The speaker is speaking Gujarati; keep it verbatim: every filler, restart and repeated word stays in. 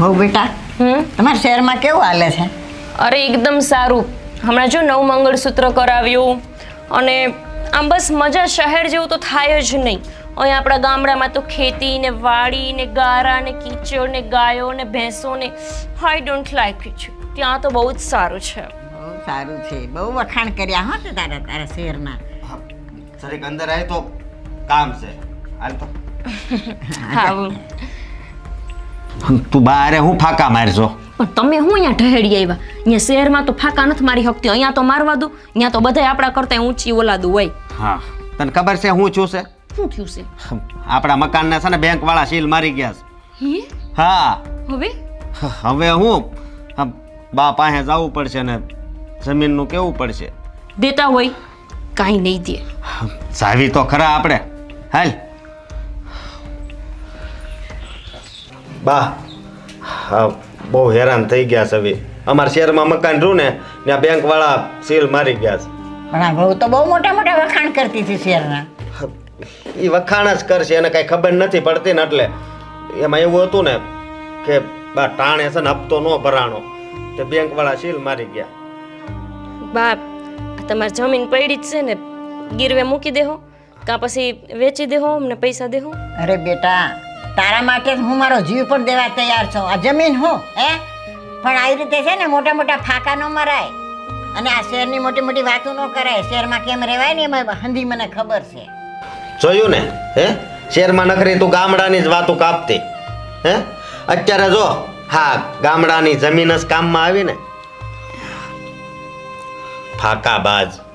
હો બેટા, હમ તમારા શહેરમાં કેવું હાલે છે? અરે એકદમ સારું. હમણાં જો નવું મંગળસૂત્ર કરાવ્યું અને આમ બસ મજા શહેર જેવું તો થાય જ નહીં. અહીંયા આપણા ગામડામાં તો ખેતી ને વાડી ને ગારા ને કીચડ ને ગાયો ને ભેંસો ને આઈ ડોન્ટ લાઈક ઇટ. ત્યાં તો બહુ જ સારું છે. બહુ સારું છે, બહુ વખાણ કર્યા હો તે તારા તારા શહેરના. સરેક અંદર આય તો કામ છે. હાલ તો હા તું બારે હું ફાકા મારજો. પણ તમે હું અહીંયા ઢહેડી આવ્યા? અહીંયા શહેરમાં તો ફાકા નથી મારી શકતી. અહીંયા તો મારવા દો. અહીંયા તો બધા આપણા કરતા ઊંચી ઓલાદું હોય. હા, તને ખબર છે હું છું છે? શું થયું છે? આપણા મકાનના છે ને બેંક વાળા સીલ મારી ગયા છે. હે? હા, હવે હવે હું હા, બા પાસે જવું પડશે ને જમીનનું કેવું પડશે. દેતા હોય કાંઈ નહીં દે. જાવી તો ખરા આપણે. હાલ બા, હા બહુ હેરાન થઈ ગયા છે. હવે અમારા શહેરમાં મકાન રહ્યું ને ત્યાં બેંક વાળા સીલ મારી ગયા છે. પણ આ બહુ તો બહુ મોટા મોટા વખાણ કરતી હતી શહેરના. એ વખાણ જ કરશે, એને કઈ ખબર નથી પડતી ને એટલે એમાં એવું હતું ને કે બા ટાણે છે ને હપ્તો ન ભરાણો તે બેંક વાળા સીલ મારી ગયા. બાપ, તમારી જમીન પડી જ છે ને, ગીરવે મૂકી દેહો કાં પછી વેચી દેહો અમને પૈસા દેહો. અરે બેટા, તારા માટે જ હું મારો જીવ પણ દેવા તૈયાર છું. આ જમીન હું હે પણ આવી રીતે છે ને મોટા મોટા ફાકા ન મરાય અને આ શહેરની મોટી મોટી વાતો ન કરાય. શહેરમાં કેમ રહેવાય ને એમાં હંધી મને ખબર છે. જોયું ને હે, શહેરમાં નખરી તું ગામડાની જ વાતો કાપતી હે. અત્યારે જો હા ગામડાની જમીન જ કામમાં આવી ને. ફાકા બાજ.